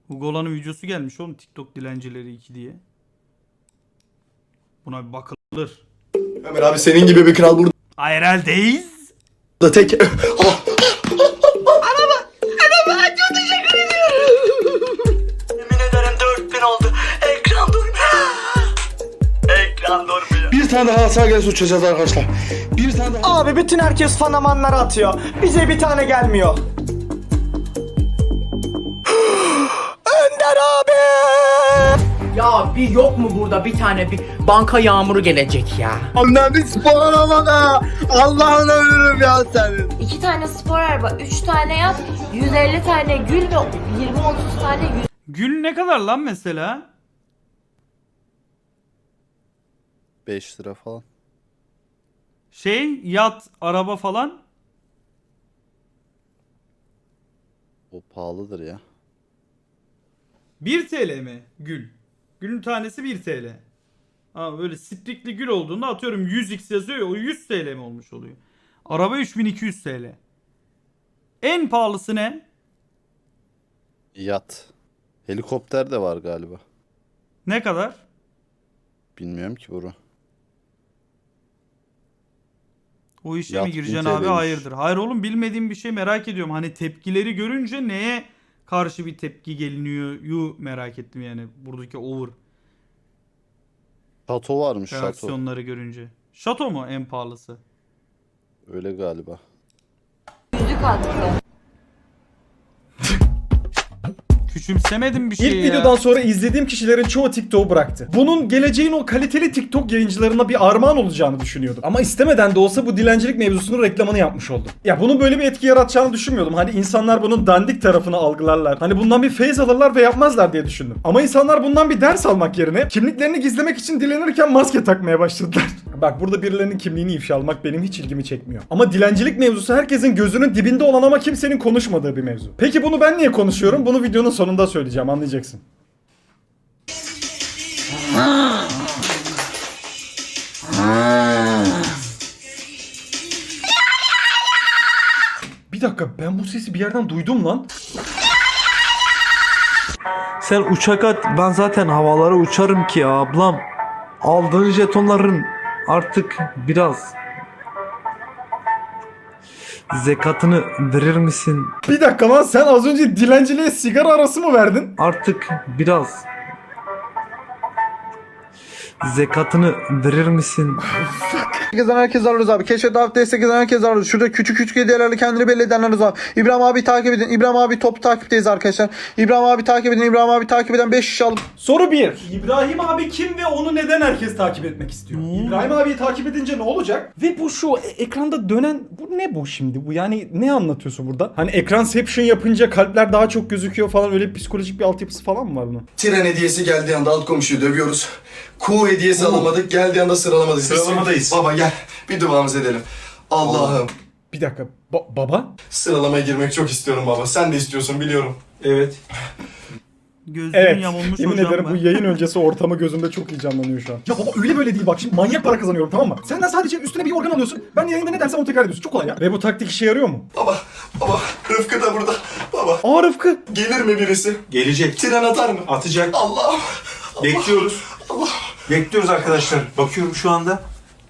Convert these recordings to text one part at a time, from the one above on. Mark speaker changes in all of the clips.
Speaker 1: Ugola'nın videosu gelmiş oğlum, TikTok dilencileri 2 diye. Buna bir bakılır.
Speaker 2: Ömer abi senin gibi bir kral burada
Speaker 1: IRL'deyiz.
Speaker 2: tek...
Speaker 3: Çok teşekkür ediyorum. Yemin ederim 4000 oldu. Ekran durmuyor. Ekran durmuyor.
Speaker 2: Bir tane daha sağ gel uçacağız arkadaşlar. Bir tane daha...
Speaker 4: Abi bütün herkes fanamanları atıyor. Bize bir tane gelmiyor. Önder abi!
Speaker 5: Ya bir yok mu burada bir tane bir banka yağmuru gelecek ya.
Speaker 2: Annem bir spor aramada. Allah'ına ölürüm ya senin.
Speaker 6: 2 tane spor araba, 3 tane yat, 150 tane gül ve 20-30 tane
Speaker 1: Gül ne kadar lan mesela?
Speaker 7: 5 lira falan.
Speaker 1: Şey, yat, araba falan.
Speaker 7: O pahalıdır ya.
Speaker 1: 1 TL mi gül? Gülün tanesi 1 TL. Ama böyle sprikli gül olduğunda atıyorum 100x yazıyor ya, o 100 TL mi olmuş oluyor? Araba 3200 TL. En pahalısı ne?
Speaker 7: Yat. Helikopter de var galiba.
Speaker 1: Ne kadar?
Speaker 7: Bilmiyorum ki bunu.
Speaker 1: O işe
Speaker 7: Yat
Speaker 1: mi gireceksin
Speaker 7: 1000
Speaker 1: abi?
Speaker 7: TL'ymiş.
Speaker 1: Hayırdır. Hayır oğlum, bilmediğim bir şey, merak ediyorum. Hani tepkileri görünce neye karşı bir tepki geliniyor yu merak ettim yani. Buradaki over
Speaker 7: Şato varmış şato.
Speaker 1: reaksiyonları görünce. Şato mu en pahalısı?
Speaker 7: Öyle galiba.
Speaker 6: yüzük attı.
Speaker 1: Küçümsemedim bir şey
Speaker 8: İlk
Speaker 1: ya.
Speaker 8: videodan sonra izlediğim kişilerin çoğu TikTok'u bıraktı. Bunun geleceğin o kaliteli TikTok yayıncılarına bir armağan olacağını düşünüyordum. Ama istemeden de olsa bu dilencilik mevzusunun reklamını yapmış oldum. Ya bunun böyle bir etki yaratacağını düşünmüyordum. Hani insanlar bunun dandik tarafını algılarlar. Hani bundan bir feyz alırlar ve yapmazlar diye düşündüm. Ama insanlar bundan bir ders almak yerine kimliklerini gizlemek için dilenirken maske takmaya başladılar. Bak, burada birilerinin kimliğini ifşa almak benim hiç ilgimi çekmiyor. Ama dilencilik mevzusu herkesin gözünün dibinde olan ama kimsenin konuşmadığı bir mevzu. Peki bunu ben niye konuşuyorum? Bunu videonun sonunda söyleyeceğim, anlayacaksın. Bir dakika, ben bu sesi bir yerden duydum lan.
Speaker 9: Sen uçak at, ben zaten havalara uçarım ki ya ablam. Aldığın jetonların artık biraz zekatını verir misin?
Speaker 8: Bir dakika lan, sen az önce dilenciliğe sigara arası mı verdin?
Speaker 9: Artık biraz zekatını verir misin?
Speaker 2: Herkes alırız abi. Keşfet davet destek eden herkes alırız. Şurada küçük küçük hediyelerle kendini belli edenler var. İbrahim abi takip edin. İbrahim abi top takipteyiz arkadaşlar. İbrahim abi takip edin. İbrahim abi takip eden 5 kişi alıp.
Speaker 8: Soru 1. İbrahim abi kim ve onu neden herkes takip etmek istiyor? İbrahim abiyi takip edince ne olacak? Ve bu şu ekranda dönen, bu ne bu şimdi? Bu yani ne anlatıyorsun burada? Hani ekranception yapınca kalpler daha çok gözüküyor falan, öyle psikolojik bir altyapısı falan mı var bunun?
Speaker 2: Tren hediyesi geldiği anda alt komşuyu dövüyoruz. Kuğu hediyesi alamadık. Geldiği anda sıralamadayız.
Speaker 8: Sıralamadayız.
Speaker 2: Baba gel. Bir duamızı edelim. Allah'ım.
Speaker 8: Bir dakika. Baba?
Speaker 2: Sıralamaya girmek çok istiyorum baba. Sen de istiyorsun biliyorum. Evet.
Speaker 1: Gözlüğün
Speaker 8: Evet.
Speaker 1: yamulmuş
Speaker 8: Yemin
Speaker 1: hocam
Speaker 8: ederim
Speaker 1: ben.
Speaker 8: bu yayın öncesi ortamı gözümde çok iyi canlanıyor şu an. Ya baba öyle böyle değil, bak şimdi manyak para kazanıyorum, tamam mı? Senden sadece üstüne bir organ alıyorsun. Ben yayında ne dersem onu tekrar ediyorsun. Çok kolay ya. Ve bu taktik işe yarıyor mu?
Speaker 2: Baba. Rıfkı da burada. Baba.
Speaker 8: Aa, Rıfkı.
Speaker 2: Gelir mi birisi?
Speaker 10: Gelecek.
Speaker 2: Tren atar mı?
Speaker 10: Atacak.
Speaker 2: Allah'ım.
Speaker 10: Bekliyoruz. Bekliyoruz arkadaşlar. Bakıyorum şu anda.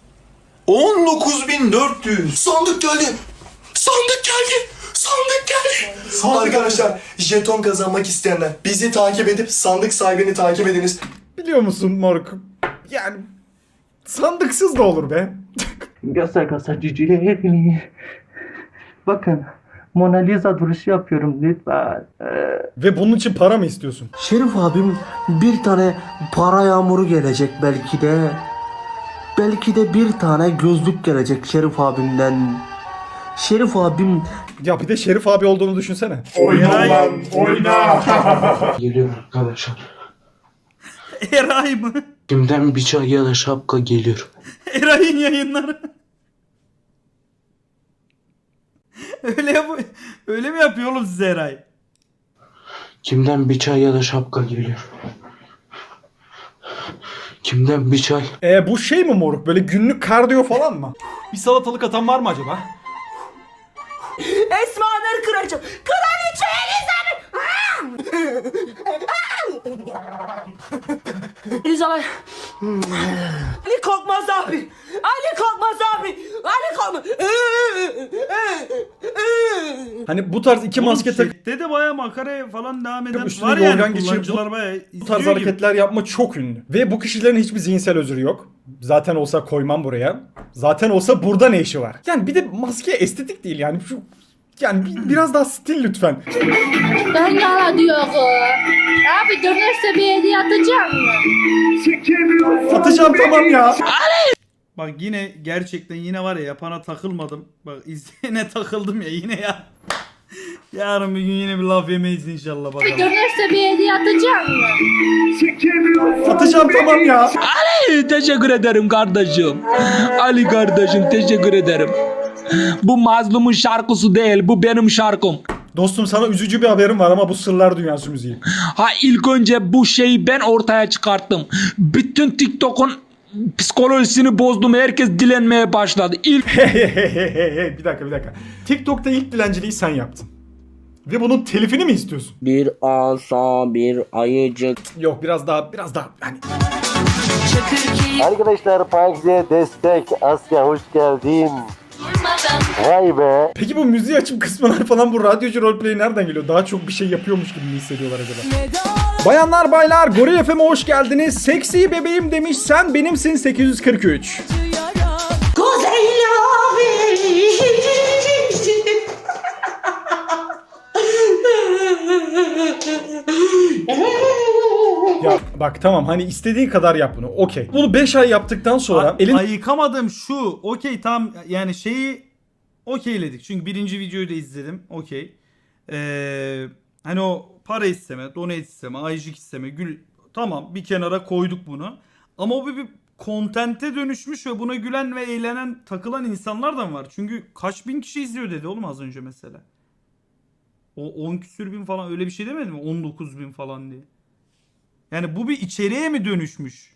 Speaker 10: 19.400.
Speaker 2: Sandık geldi. Sandık geldi. Sandık geldi. Arkadaşlar jeton kazanmak isteyenler bizi takip edip sandık sahibini takip ediniz.
Speaker 8: Biliyor musun moruk? Yani sandıksız da olur be.
Speaker 5: Göster cücülerini. Bakın Mona Lisa duruşu yapıyorum lütfen.
Speaker 8: Ve bunun için para mı istiyorsun?
Speaker 11: Şerif abim bir tane para yağmuru gelecek belki de. Belki de bir tane gözlük gelecek Şerif abimden. Şerif abim...
Speaker 8: Ya bir de Şerif abi olduğunu düşünsene.
Speaker 11: Geliyor arkadaşlar.
Speaker 1: Eray mı?
Speaker 11: Kimden bir çay ya da şapka geliyor.
Speaker 1: Eray'ın yayınları. Öyle mi yapıyor oğlum size Eray?
Speaker 11: Kimden bir çay ya da şapka geliyor. Kimden bir çay?
Speaker 8: Bu şey mi moruk? Böyle günlük kardiyo falan mı? Bir salatalık atan var mı acaba?
Speaker 3: Esma Nur Kraliçe. Kraliçe Elizabeth. İnşallah. Ali Korkmaz abi. Ali Korkmaz abi. Ali Korkmaz.
Speaker 8: Hani bu tarz iki maske takıp
Speaker 1: Chatte de baya makara falan devam eden
Speaker 8: üstüne
Speaker 1: var
Speaker 8: yorgan
Speaker 1: yani,
Speaker 8: geçirip
Speaker 1: kullanıcılar baya
Speaker 8: bu tarz
Speaker 1: izliyor gibi.
Speaker 8: hareketler yapma çok ünlü. Ve bu kişilerin hiçbir zihinsel özrü yok. Zaten olsa koymam buraya. Zaten olsa burada ne işi var? Yani bir de maske estetik değil yani. Yani biraz daha stil lütfen.
Speaker 6: Ben yana diyorum. Abi dönerse bir hediye atacağım mı?
Speaker 8: Atacağım tamam ya.
Speaker 1: Bak yine gerçekten yine var ya yapana takılmadım. Bak izleyene takıldım ya yine ya. Yarın bir gün yine bir laf yemeyiz inşallah bakalım.
Speaker 6: Dönerse bir hediye atacağım mı?
Speaker 8: Atacağım tamam ya.
Speaker 9: Teşekkür ederim kardeşim. Ali kardeşim teşekkür ederim. Bu mazlumun şarkısı değil, bu benim şarkım.
Speaker 8: Dostum sana üzücü bir haberim var ama bu sırlar dünyası müziği.
Speaker 9: Ha ilk önce bu şeyi ben ortaya çıkarttım. Bütün TikTok'un psikolojisini bozdum. Herkes dilenmeye başladı.
Speaker 8: Hey, bir dakika. TikTok'ta ilk dilenciliği sen yaptın. Ve bunun telifini mi istiyorsun?
Speaker 11: Bir asa bir ayıcık.
Speaker 8: Yok biraz daha hani
Speaker 11: Arkadaşlar Park'e destek. Asya hoş geldin. Vay be.
Speaker 8: Peki bu müziği açıp kısmalar falan bu radyocu roleplay nereden geliyor? Daha çok bir şey yapıyormuş gibi mi hissediyorlar acaba? Bayanlar baylar Goril FM'e hoş geldiniz. Seksi bebeğim demiş sen benimsin 843. Ya bak tamam hani istediğin kadar yap bunu okey. Bunu 5 ay yaptıktan sonra elin...
Speaker 1: Ayıkamadım şu. Okey tamam yani şeyi okeyledik. Çünkü birinci videoyu da izledim. Okey. Hani o para isteme, donate isteme, ayıcık isteme, gül tamam bir kenara koyduk bunu. Ama o bir kontente dönüşmüş ve buna gülen ve eğlenen, takılan insanlar da var. Çünkü kaç bin kişi izliyor dedi oğlum az önce mesela. O 10 küsür bin falan öyle bir şey demedi mi? 19 bin falan diye. Yani bu bir içeriğe mi dönüşmüş?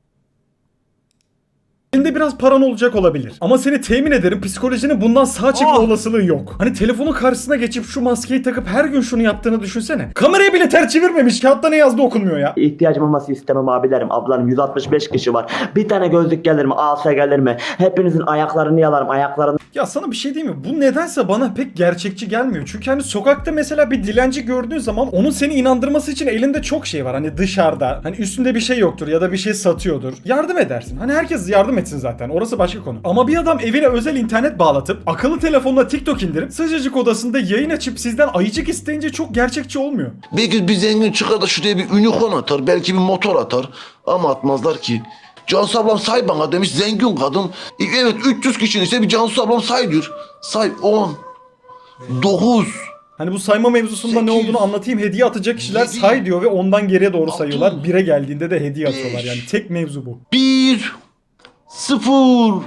Speaker 8: Elinde biraz paran olacak olabilir. Ama seni temin ederim psikolojinin bundan sağ çekme olasılığı yok. Hani telefonun karşısına geçip şu maskeyi takıp her gün şunu yaptığını düşünsene. Kamerayı bile ters çevirmemiş. Kağıtta ne yazdı okunmuyor ya.
Speaker 11: İhtiyacım olması istemem abilerim, ablarım. 165 kişi var. Bir tane gözlük gelir mi? Asa gelir mi? Hepinizin ayaklarını yalarım. Ayaklarını...
Speaker 8: Ya sana bir şey diyeyim mi? Bu nedense bana pek gerçekçi gelmiyor. Çünkü hani sokakta mesela bir dilenci gördüğün zaman onun seni inandırması için elinde çok şey var. Hani dışarıda. Hani üstünde bir şey yoktur ya da bir şey satıyordur. Yardım edersin. Hani herkes yardım etsin zaten. Orası başka konu. Ama bir adam evine özel internet bağlatıp akıllı telefonla TikTok indirip sıcacık odasında yayın açıp sizden ayıcık isteyince çok gerçekçi olmuyor.
Speaker 12: Belki bir zengin çıkar da şuraya bir unicorn atar. Belki bir motor atar. Ama atmazlar ki. Cansu ablam say bana demiş zengin kadın. Evet 300 kişinin ise bir Cansu ablam say diyor. Say 10 9.
Speaker 8: Hani bu sayma mevzusunda ne olduğunu anlatayım. Hediye atacak kişiler say diyor ve ondan geriye doğru sayıyorlar. 1'e geldiğinde de hediye atıyorlar. Yani tek mevzu bu.
Speaker 12: 1 0.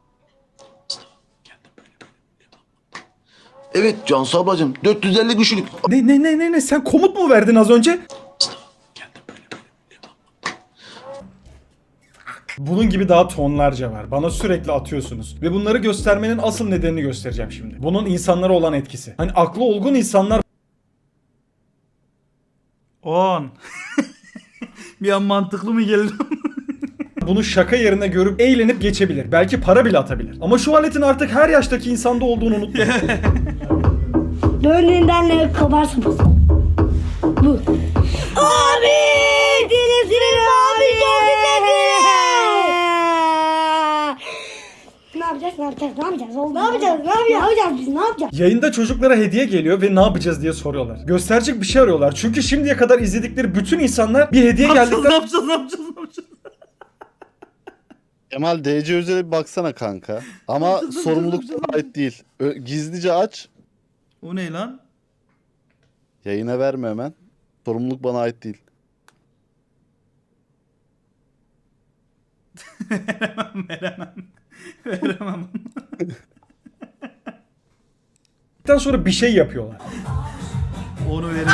Speaker 12: Evet Cansu ablacığım 450 kişilik.
Speaker 8: Ne sen komut mu verdin az önce? Bunun gibi daha tonlarca var. Bana sürekli atıyorsunuz. Ve bunları göstermenin asıl nedenini göstereceğim şimdi. Bunun insanlara olan etkisi. Hani aklı olgun insanlar
Speaker 1: 10. Bir an mantıklı mı geldi?
Speaker 8: bunu şaka yerine görüp eğlenip geçebilir. Belki para bile atabilir. Ama şu aletin artık her yaştaki insanda olduğunu unutmayın.
Speaker 3: Dönünden ne kabarsın? Bu. Abi! Dilisinin abi çok güzel. Ne yapacağız? Biz ne yapacağız?
Speaker 8: Yayında çocuklara hediye geliyor ve ne yapacağız diye soruyorlar. Gösterecek bir şey arıyorlar. Çünkü şimdiye kadar izledikleri bütün insanlar bir hediye
Speaker 1: Ne
Speaker 8: geldikten...
Speaker 1: yapacağız?
Speaker 7: Kemal DC özele bir baksana kanka. Ama sorumluluk sana ait değil. Gizlice aç.
Speaker 1: O ne lan?
Speaker 7: Yayına verme hemen. Sorumluluk bana ait değil.
Speaker 1: Veremem.
Speaker 8: sonra bir şey yapıyorlar.
Speaker 1: Onu veremeyiz.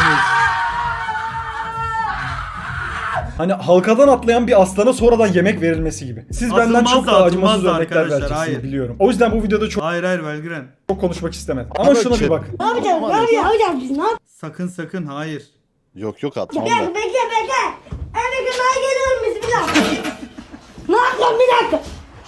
Speaker 8: Hani halkadan atlayan bir aslana sonradan yemek verilmesi gibi. Siz benden
Speaker 1: Atılmaz
Speaker 8: çok
Speaker 1: da,
Speaker 8: daha
Speaker 1: atılmaz
Speaker 8: acımasız
Speaker 1: da
Speaker 8: örnekler
Speaker 1: arkadaşlar,
Speaker 8: vereceksiniz
Speaker 1: hayır.
Speaker 8: biliyorum. O yüzden bu videoda
Speaker 1: Hayır Belgren.
Speaker 8: çok konuşmak istemedim. Ama şuna bir bakın.
Speaker 3: Ne yapacağız? Biz ne yapacağız?
Speaker 1: Sakın hayır.
Speaker 7: Yok yok atmam
Speaker 3: Bekle
Speaker 7: da.
Speaker 3: bekle. Evet ben geliyorum bismillah. Ne yapacağım bir dakika.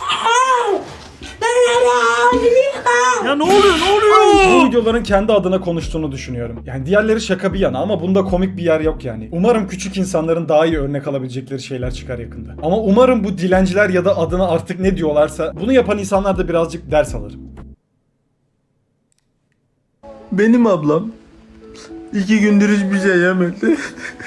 Speaker 1: Ya ne oluyor
Speaker 8: Bu videoların kendi adına konuştuğunu düşünüyorum. Yani diğerleri şaka bir yana ama bunda komik bir yer yok yani. Umarım küçük insanların daha iyi örnek alabilecekleri şeyler çıkar yakında. Ama umarım bu dilenciler ya da adına artık ne diyorlarsa bunu yapan insanlar da birazcık ders alır.
Speaker 11: Benim ablam 2 gündür hiçbir şey yemedi.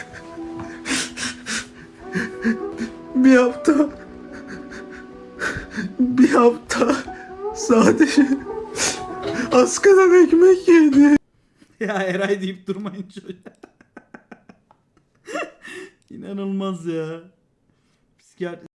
Speaker 11: Bir hafta sadece askadan ekmek yedi.
Speaker 1: Ya Eray deyip durmayın şöyle. İnanılmaz ya. Psikiyatri